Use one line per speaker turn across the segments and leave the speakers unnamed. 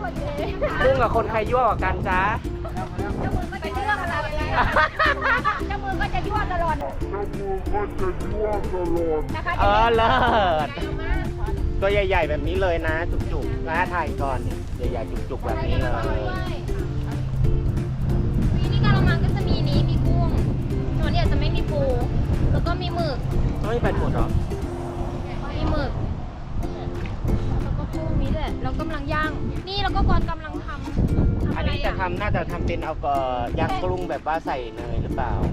กุ้งกับคนใครยั่วกว่ากันจ๊ะ
ไปเรื่องอะไรเจ้ามือก็จะยั่วตลอดนะคะ
เลิศตัวใหญ่ๆแบบนี้เลยนะจุกๆนะถ่ายก่อนใหญ่ๆจุกๆแบบนี้เลย
วีนี่กะละมังก็จะมีนี้มีกุ้งส่วนเนี่ยจะไม่มีปูแล้วก็มีหมึก
ไม่เป็นหมดหรอ
มีหมึกแล้วก็กุ้งนี้แหละเรากำลังย่างนี่แล้วก็บอลกำลังทำ
อันนี้น่าจะทำเป็นเอาย่างกรุงแบบว่าใส่เนยหรือเปล่า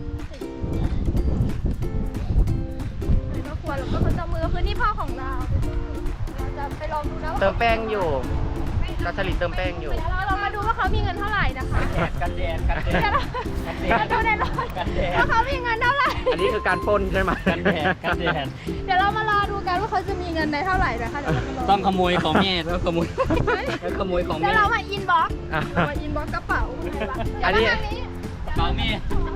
ก็ควรแล้วก็เจ้ามือคือนี่พ่อของเราจะไปลองดูนะว่า
เติมแป้งอยู่กาสลิดเติมแป้งอยู่
เดี๋ยวเรามาดูว่าเขามีเงินเท่าไหร่นะคะ
กันแดด
เดี๋ยวเราดูในรถว่าเขามีเงินเท่าไหร่
อันนี้คือการปล้นใช่ไหมกันแดด
เดี๋ยวเรามารอดูกันว่าเขาจะมีเงินในเท่าไหร่นะคะเดี๋ยวเรามารอ
ต้องขโมยของแม่แล้วขโมยของ
เดี๋
แม่
ยวเรามาอินบ็อกซ์มาอินบ็อกซ์กระเป๋า
อันนี้
ของแม่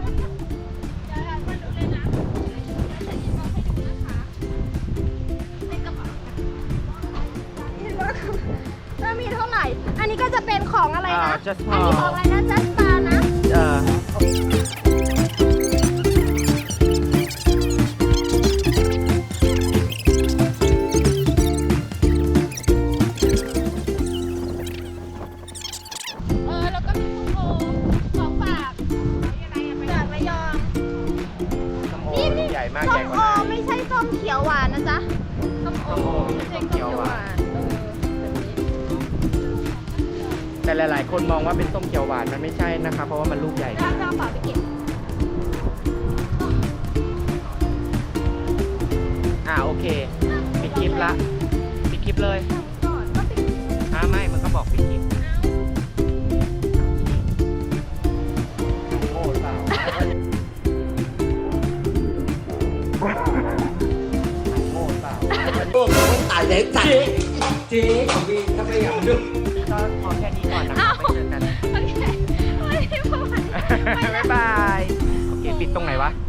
จะมีเท่าไหร่ อันนี้ก็จะเป็นของอะไรนะ
Just
อันนี้ของอะไรนะ Just Star นะ แล้วก็มีส้มโอของฝากจากระยอง
ส้มโอใหญ่มาก
ส้
ใหญ่
ม
ก
โอ
ว่านั้น
ไม่ใช่ส้มเขียวหวานนะจ๊ะส้มโอ
ส้มโอ
ไม่ใช่ส้มเขียวหวานแบบนี้
แต่หลายๆ คนมองว่าเป็นส้มเขียวหวานมันไม่ใช่นะคะเพราะว่ามันลูกใหญ่
แล้วเอาเปล่าไปเก็บ
โอเคปิดคลิปละปิดคลิปเลย
ก่อนก็ปิด
ไม่มันก็บอกปิดคลิปโง่หรือเปล่าโง่หรือเปล่า
พวกคนตายเด็กจัดเจ๊ของพี่ถ้าไม่อยากดู
ก็พอแค่นี้ก่อนนะครับไปเจอกัน
โอเคไม่ได้พูด
บ๊ายบาย โอเค ปิดตรงไหนวะ